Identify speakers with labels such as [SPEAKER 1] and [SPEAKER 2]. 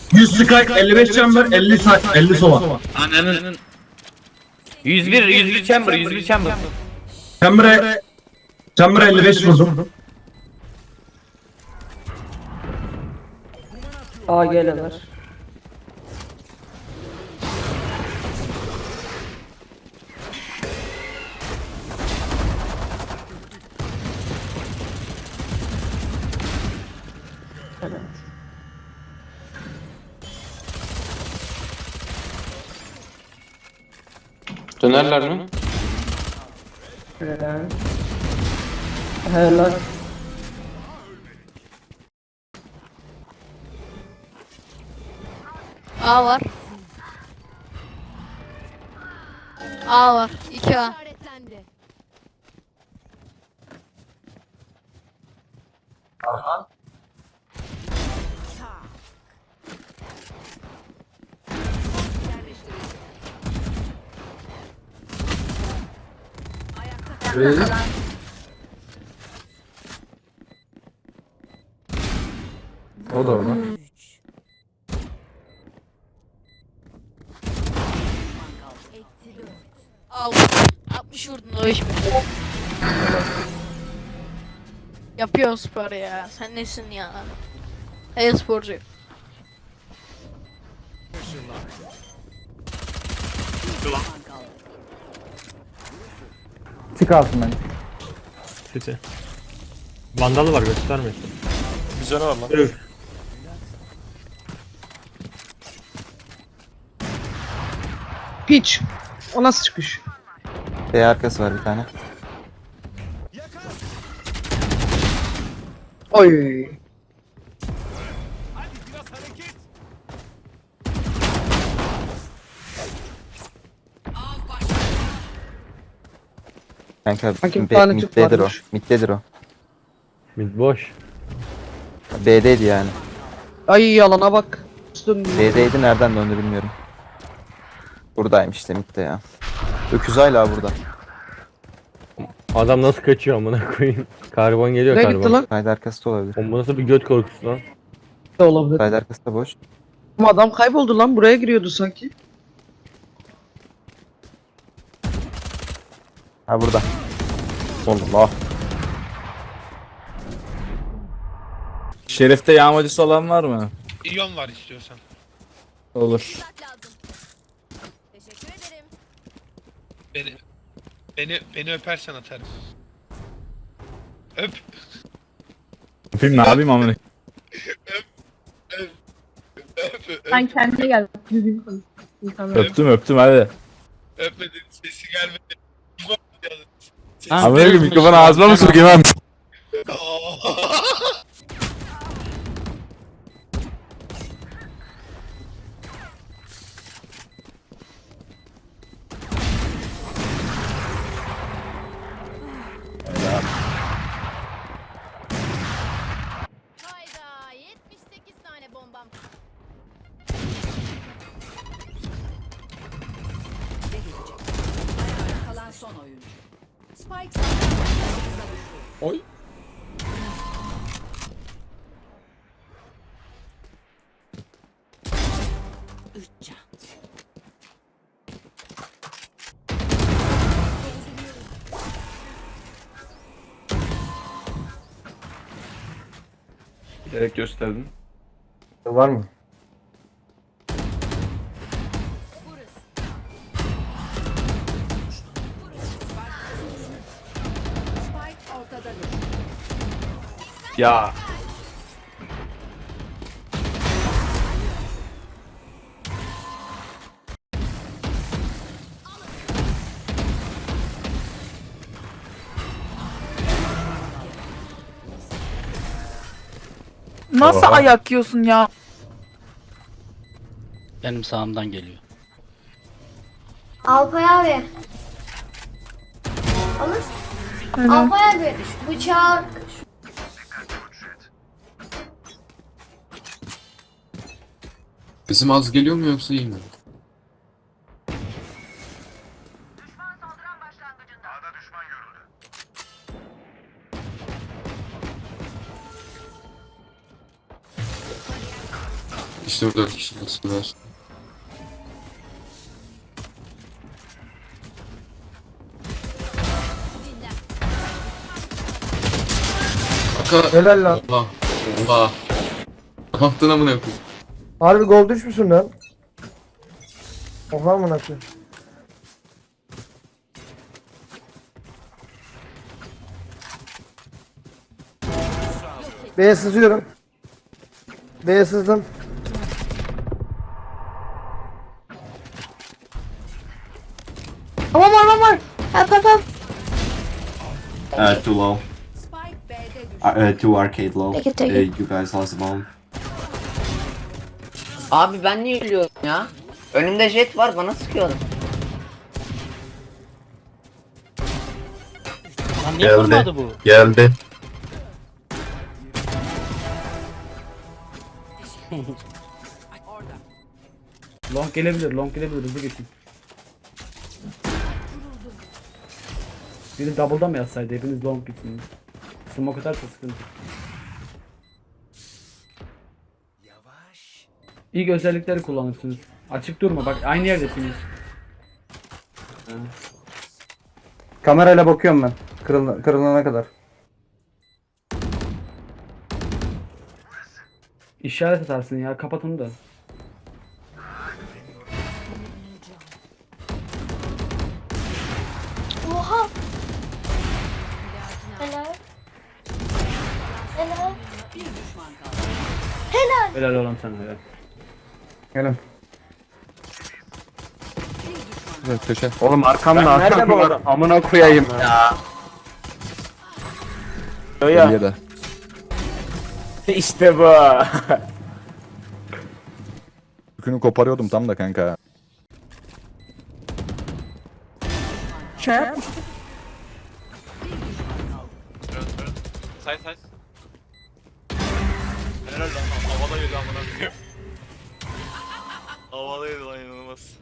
[SPEAKER 1] 100 Sky, 55 chamber, 50 50 sova.
[SPEAKER 2] Ananın. 101 chamber, 101 chamber.
[SPEAKER 1] Chamber'a 55 vurdum.
[SPEAKER 3] A geleler. Evet.
[SPEAKER 4] Dönerler mi?
[SPEAKER 3] Helal. Helal.
[SPEAKER 5] A var. A var. 2A.
[SPEAKER 6] O da orada.
[SPEAKER 5] Al. 60 vurdun o iş mi? Yapıyorsun spor ya. Sen nesin ya? Hey sporcu.
[SPEAKER 6] Çık altından.
[SPEAKER 7] City. Vandalı var gösterme.
[SPEAKER 8] Bir canı var lan.
[SPEAKER 7] Üf.
[SPEAKER 3] Piç. O nasıl çıkış?
[SPEAKER 6] B arkası var bir tane.
[SPEAKER 3] Oy.
[SPEAKER 6] Kanka
[SPEAKER 3] Kanka bir tane Türk
[SPEAKER 6] middedir o.
[SPEAKER 3] varmış.
[SPEAKER 6] Middedir o.
[SPEAKER 7] Mid boş.
[SPEAKER 6] B'deydi yani.
[SPEAKER 3] Ay yalana bak. Üstüm.
[SPEAKER 6] B'deydi nereden döndü bilmiyorum. Buradaymış işte midde ya. Öküz hala burada.
[SPEAKER 7] Adam nasıl kaçıyor amına koyayım. Karbon geliyor
[SPEAKER 3] Ne
[SPEAKER 7] karbon.
[SPEAKER 3] gitti lan?
[SPEAKER 6] Side arkası da olabilir.
[SPEAKER 7] Oğlum bu nasıl bir göt korkusu lan?
[SPEAKER 3] Ne olabilir?
[SPEAKER 6] Side arkası da boş.
[SPEAKER 3] Ama adam kayboldu lan. Buraya giriyordu sanki.
[SPEAKER 6] Ha burada. Allah.
[SPEAKER 9] Şerif'te yağmacısı olan var mı?
[SPEAKER 8] İyon var istiyorsan.
[SPEAKER 9] Olur.
[SPEAKER 5] Teşekkür ederim.
[SPEAKER 8] Beni öpersen atarım. Öp.
[SPEAKER 9] Öpeyim ne yapayım amına?
[SPEAKER 10] Sen kendine gel. Düzgün konuş. İnsanlar.
[SPEAKER 9] Öptüm hadi.
[SPEAKER 8] Öpmedin, sesi gelmedi.
[SPEAKER 9] Amına koyayım mikrofonu ağzıma mı sokayım abi?
[SPEAKER 5] Hayda 78 tane bombam.
[SPEAKER 11] Kalan son oyun. Spike
[SPEAKER 9] Oy.
[SPEAKER 11] üç can.
[SPEAKER 9] Gerek gösterdin.
[SPEAKER 6] Var mı?
[SPEAKER 11] Spike ortada düştü.
[SPEAKER 9] Ya.
[SPEAKER 10] Nasıl
[SPEAKER 9] Oha.
[SPEAKER 10] ayak yiyorsun ya?
[SPEAKER 2] Benim sağımdan geliyor.
[SPEAKER 5] Alpay abi. Alır. Alpay abi. Bıçağı.
[SPEAKER 4] Bizim az geliyor mu yoksa iyi mi? İşte 4 kişi nasıllar. Kanka.
[SPEAKER 3] Helal lan.
[SPEAKER 4] Allah. Allah. Ne yaptın amına koyayım?
[SPEAKER 3] Harbi gol düşmüşsün lan. Oha amına koyayım. B'ye sızıyorum. B'ye sızdım.
[SPEAKER 9] Too low.
[SPEAKER 11] Spike B'de düştü.
[SPEAKER 9] Too arcade low. You guys lost the bomb.
[SPEAKER 2] Abi ben niye ölüyorum ya? Önümde jet var bana sıkıyor. Lan niye vurmadı bu?
[SPEAKER 9] Geldi.
[SPEAKER 1] Long gelebilir, long gelebilir. Hızlı geçin. Biri double'da mı yatsaydı? Hepiniz long gitsin. Smoke atarsa sıkıntı. İlk özellikleri kullanırsınız. Açık durma bak aynı yerdesiniz.
[SPEAKER 3] Kamerayla bakıyorum ben. Kırılana kadar.
[SPEAKER 1] İşaret atarsın ya kapatın da.
[SPEAKER 5] Oha. Helal. Helal.
[SPEAKER 11] Bir düşman kaldı.
[SPEAKER 1] Helal oğlum sana helal.
[SPEAKER 3] Gelin.
[SPEAKER 6] Evet, köşe.
[SPEAKER 3] Oğlum arkamda nerede bu adam? Amına koyayım ya.
[SPEAKER 6] Geliyor da.
[SPEAKER 3] İşte bu.
[SPEAKER 6] Yükünü koparıyordum tam da kanka.
[SPEAKER 8] Say. Helal lan havada yedi amına koyayım. Havada yedi lan inanılmaz.